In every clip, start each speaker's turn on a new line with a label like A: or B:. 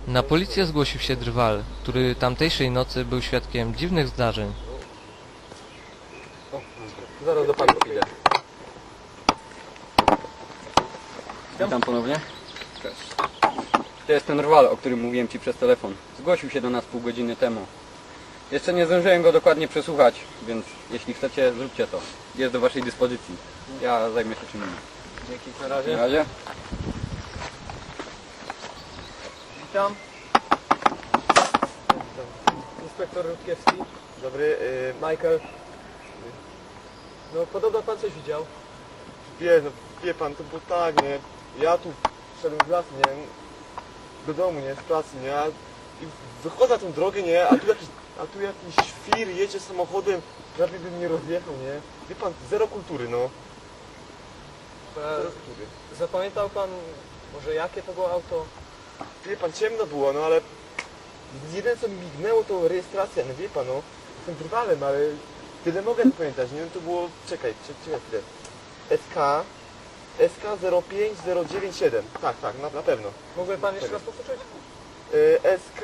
A: Na policję zgłosił się drwal, który tamtejszej nocy był świadkiem dziwnych zdarzeń.
B: Zaraz do pana przyjdę.
C: Witam ponownie. Cześć. To jest ten rwal, o którym mówiłem Ci przez telefon. Zgłosił się do nas pół godziny temu. Jeszcze nie zdążyłem go dokładnie przesłuchać, więc jeśli chcecie, zróbcie to. Jest do Waszej dyspozycji. Ja zajmę się czym innym.
B: Dzięki, na razie.
C: Na razie.
B: Witam. Inspektor Rutkiewski.
D: Dobry,
B: Michael. No podobno pan coś widział.
D: wie pan, to było tak, nie? Ja tu szedłem z lasu, nie? Do domu, nie? Z pracy, nie? I wychodzę na tą drogę, nie? A tu jakiś świr jedzie samochodem, prawie by mnie rozjechał, nie? Wie pan, zero kultury, no. Zero kultury.
B: Zapamiętał pan może jakie to było auto?
D: Wie pan, ciemno było, no ale jedyne co mi mignęło to rejestracja, no wie pan, no. Jestem drwalem, ale tyle mogę pamiętać, nie? No to było, czekaj chwilę. SK 05097. Tak, na pewno.
B: Mógłby pan jeszcze raz powtórzyć?
D: SK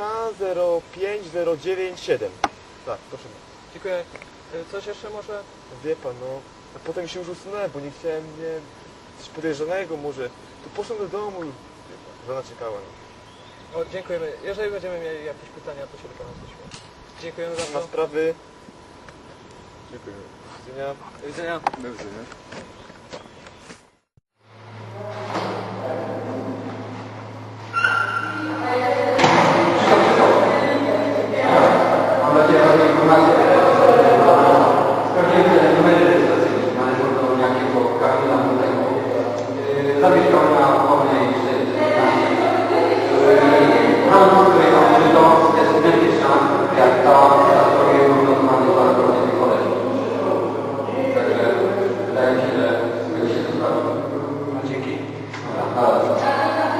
D: 05097. Tak, proszę.
B: Dziękuję. Coś jeszcze może?
D: Wie pan, no. A potem się już usunąłem, bo nie chciałem, nie, coś podejrzanego może. To poszedłem do domu i wie pan, żona czekała. No.
B: O, dziękujemy. Jeżeli będziemy mieli jakieś pytania, to się do pana zgłosimy. Dziękujemy za
D: Na
B: to.
D: sprawy. Dziękuję. Do widzenia.
B: Do widzenia.
C: Do widzenia.
E: Mam nadzieję, że informacje sprawdziłem te numery rejestracyjne, należą do jakiego Kamila Młodego. Zawieszał na Ochotnej 415. Brama, której tam użyto, jest identyczna jak ta, za którą jest wyglądany dwukrotnie tej koledzy. Także wydaje mi się, że tego się to sprawdzi. Dzięki. Dobra,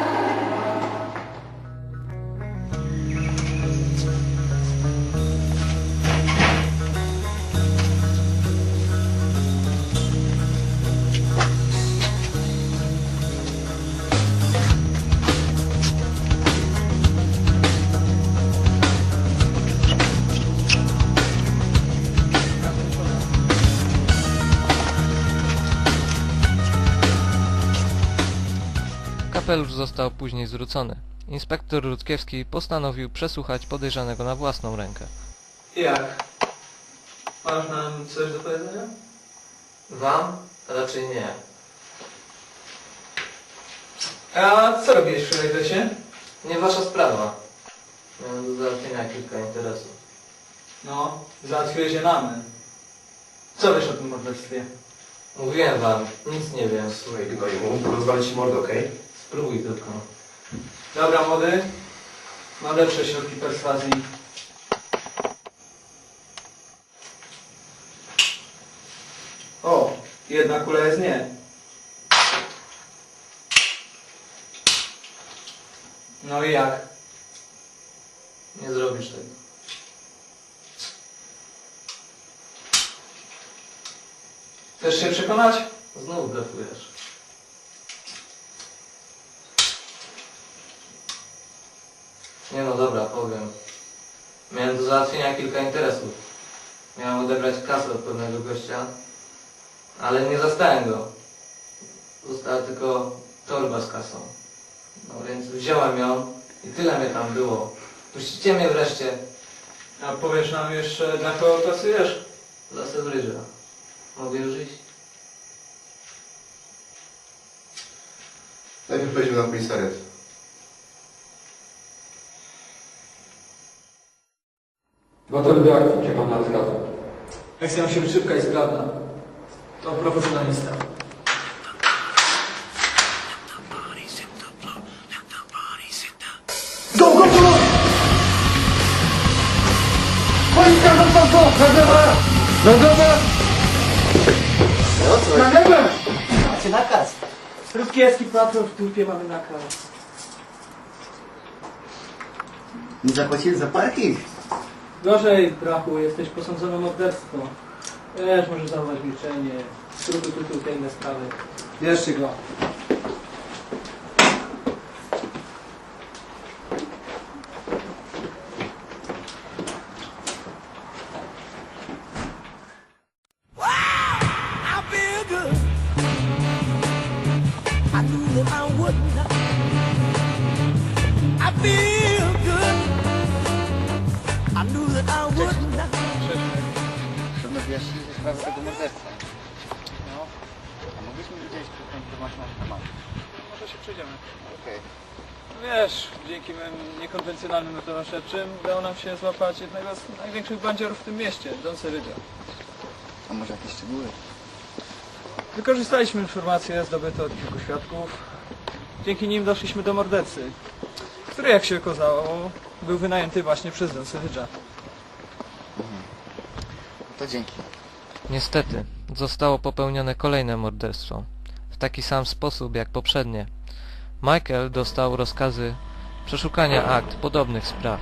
A: Kapelusz został później zwrócony. Inspektor Rutkiewski postanowił przesłuchać podejrzanego na własną rękę.
F: Jak? Masz nam coś do powiedzenia?
A: Wam? Raczej nie.
F: A co robiłeś wczoraj w lesie?
A: Nie wasza sprawa. Miałem do załatwienia kilka interesów.
F: No, załatwiłeś je nam. Co wiesz o tym morderstwie?
A: Mówiłem wam, nic nie wiem.
G: Słuchaj, Gnoju, rozwalić ci mordę, okej?
A: Spróbuj tylko.
F: Dobra, młody. Mam lepsze środki perswazji. O, jedna kula jest nie. No i jak?
A: Nie zrobisz tego.
F: Chcesz się przekonać?
A: Znów blefujesz. Nie no dobra, powiem. Miałem do załatwienia kilka interesów. Miałem odebrać kasę od pewnego gościa, ale nie zastałem go. Została tylko torba z kasą. No więc wziąłem ją i tyle mnie tam było. Puścicie mnie wreszcie
F: A powiesz nam jeszcze, dla kogo pracujesz?
A: za Sewrydża. Mogę już iść?
G: Najpierw pojedziemy na komisariat.
E: gotowy do akcji, czy pan na zgadza?
F: Akcja musi być szybka i sprawna. To profesjonalista.
D: Go! Policja, na glebę! Na glebę!
H: Macie nakaz.
F: Rutkiewski patrol w dupie, mamy nakaz.
H: Nie zapłaciłem za parking.
F: Gorzej, brachu, jesteś posądzony o morderstwo. Wiesz, możesz zachować milczenie. Trutu, inne sprawy. Bierzcie go.
C: Trudno wyjaśnić sprawę tego morderstwa. No. A mogliśmy widzieć tę informację na temat.
B: Może się przejdziemy.
C: Okej.
B: Wiesz, dzięki mym niekonwencjonalnym metodom śledczym udało nam się złapać jednego z największych bandziorów w tym mieście, Don Serydża.
C: A może jakieś szczegóły?
B: Wykorzystaliśmy informacje zdobyte od kilku świadków. Dzięki nim doszliśmy do mordercy, który, jak się okazało, był wynajęty właśnie przez Don Serydża.
C: To dzięki.
A: Niestety, zostało popełnione kolejne morderstwo. W taki sam sposób jak poprzednie. Michael dostał rozkazy przeszukania akt podobnych spraw.